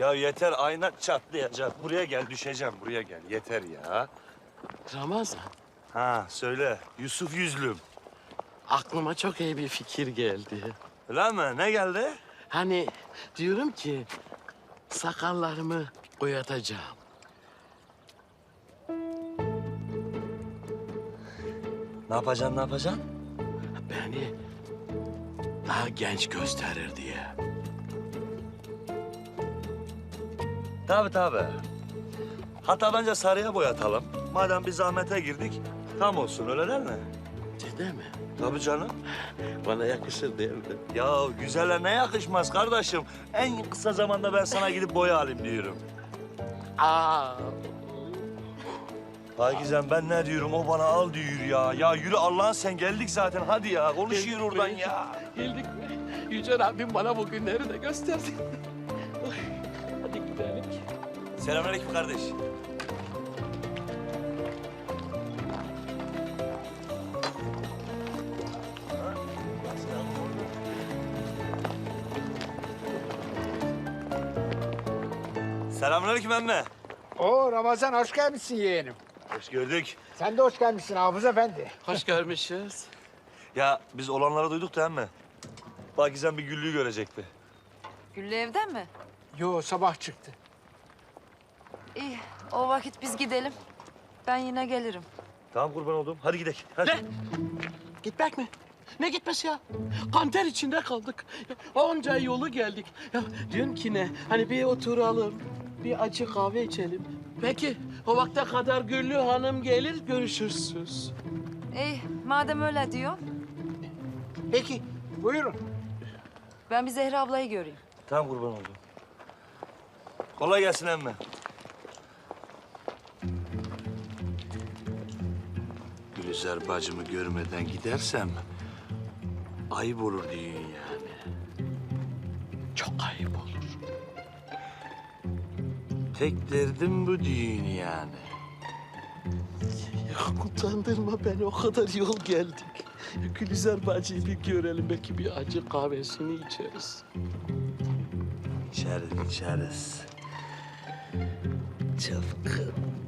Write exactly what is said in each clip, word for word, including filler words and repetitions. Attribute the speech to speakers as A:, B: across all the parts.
A: Ya yeter, ayna çatlayacak. Buraya gel, düşeceğim. Buraya gel. Yeter ya.
B: Ramazan,
A: Ha, söyle. Yusuf Yüzlüm.
B: aklıma çok iyi bir fikir geldi.
A: Öyle mi? Ne geldi?
B: Hani diyorum ki sakallarımı boyatacağım.
A: Ne yapacaksın, ne yapacaksın?
B: Beni daha genç gösterir diye.
A: Tabii tabii. Hatta bence sarıya boyatalım. Madem bir zahmete girdik, tam olsun, öyle değil mi?
B: Ciddi mi?
A: Tabii canım.
B: Bana yakışır değil mi?
A: Ya güzele ne yakışmaz kardeşim? En kısa zamanda ben sana gidip boya alayım diyorum.
B: Aa,
A: Hakikaten ben ne diyorum, o bana al diyor ya. Ya yürü Allah'ın, sen geldik zaten, hadi ya. Konuşuyor oradan ya.
B: geldik mi? Yüce Rabbim bana bu günleri de gösterdi. Oy, hadi gidelim.
A: Selamünaleyküm kardeş. Selamünaleyküm emme.
C: Oo Ramazan hoş gelmişsin yeğenim.
A: Hoş gördük.
C: Sen de hoş gelmişsin Hafız Efendi.
B: Hoş görmüşüz.
A: Ya biz olanları duyduk da emme. Bakizem bir Güllü'yü görecekti.
D: Güllü evden mi?
C: Yo sabah çıktı.
D: İyi, o vakit biz gidelim. Ben yine gelirim.
A: Tamam kurban oldum. Hadi gidelim. Hadi.
B: Ne? Gitmek mi? Ne gitmesi ya? Kanter içinde kaldık. Ya, onca yolu geldik. Ya diyorum ki ne? Hani bir oturalım, bir acı kahve içelim. Peki o vakte kadar Güllü Hanım gelir, görüşürsünüz.
D: İyi, madem öyle diyor,
C: Peki buyurun.
D: ben bir Zehra ablayı göreyim.
A: Tamam kurban oldum. Kolay gelsin emme. Gülizar bacımı görmeden gidersem ayıp olur diyorsun yani.
B: Çok ayıp olur.
A: Tek derdim bu düğün yani.
B: Ya utandırma beni, o kadar yol geldik. Ya, Gülizar bacıyı bir görelim, belki bir acı kahvesini içeriz.
A: İçeriz, içeriz. Çapkın.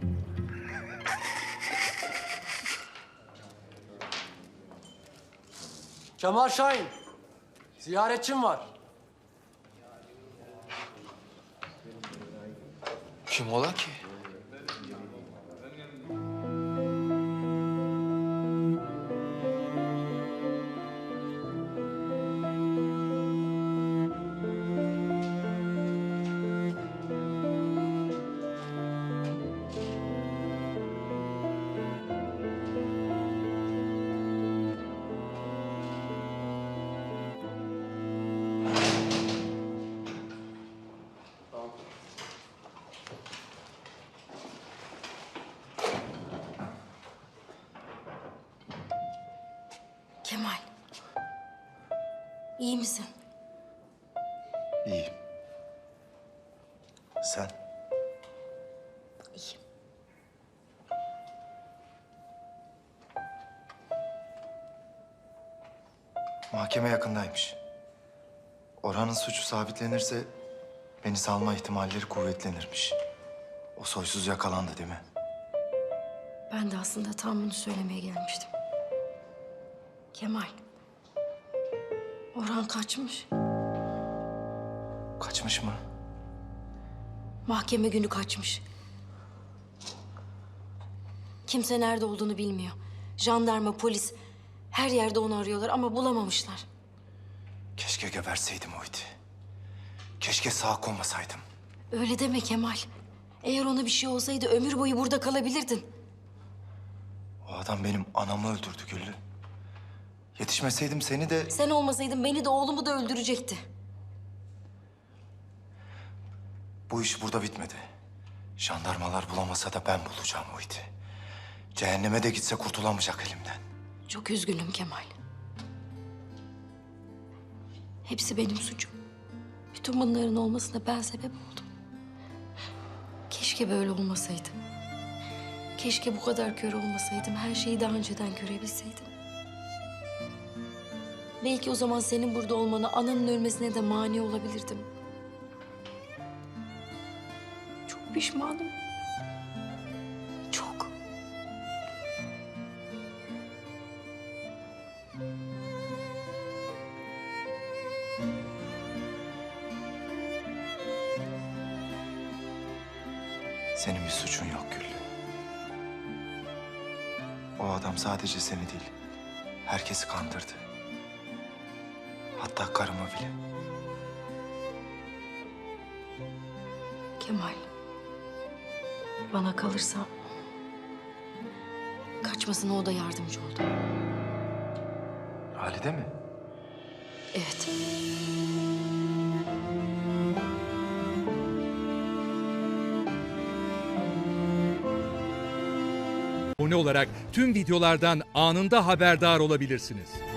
E: Kemal Şahin, ziyaretçim var.
F: Kim ola ki?
G: Kemal. İyi misin?
A: İyiyim. Sen?
G: İyiyim.
F: Mahkeme yakındaymış. Orhan'ın suçu sabitlenirse beni salma ihtimalleri kuvvetlenirmiş. O soysuz yakalandı değil mi?
G: Ben de aslında tam bunu söylemeye gelmiştim. Kemal. Orhan kaçmış.
F: Kaçmış mı?
G: Mahkeme günü kaçmış. Kimse nerede olduğunu bilmiyor. Jandarma, polis her yerde onu arıyorlar ama bulamamışlar.
F: Keşke geberseydim o iti. Keşke sağ konmasaydım.
G: Öyle deme Kemal. Eğer ona bir şey olsaydı ömür boyu burada kalabilirdin.
F: O adam benim anamı öldürdü Güllü. Yetişmeseydim seni de...
G: Sen olmasaydın beni de oğlumu da öldürecekti.
F: Bu iş burada bitmedi. Jandarmalar bulamasa da ben bulacağım o iti. Cehenneme de gitse kurtulamayacak elimden.
G: Çok üzgünüm Kemal. Hepsi benim suçum. Bütün bunların olmasına ben sebep oldum. Keşke böyle olmasaydım. Keşke bu kadar kör olmasaydım. Her şeyi daha önceden görebilseydim. Belki o zaman senin burada olmana, ananın ölmesine de mani olabilirdim. pişmanım. Çok.
F: Senin bir suçun yok Gül. O adam sadece seni değil, herkesi kandırdı. Hatta karımı bile.
G: Kemal. Bana kalırsa kaçmasına o da yardımcı oldu.
F: Halide mi?
G: Evet.
H: Abone olarak tüm videolardan anında haberdar olabilirsiniz.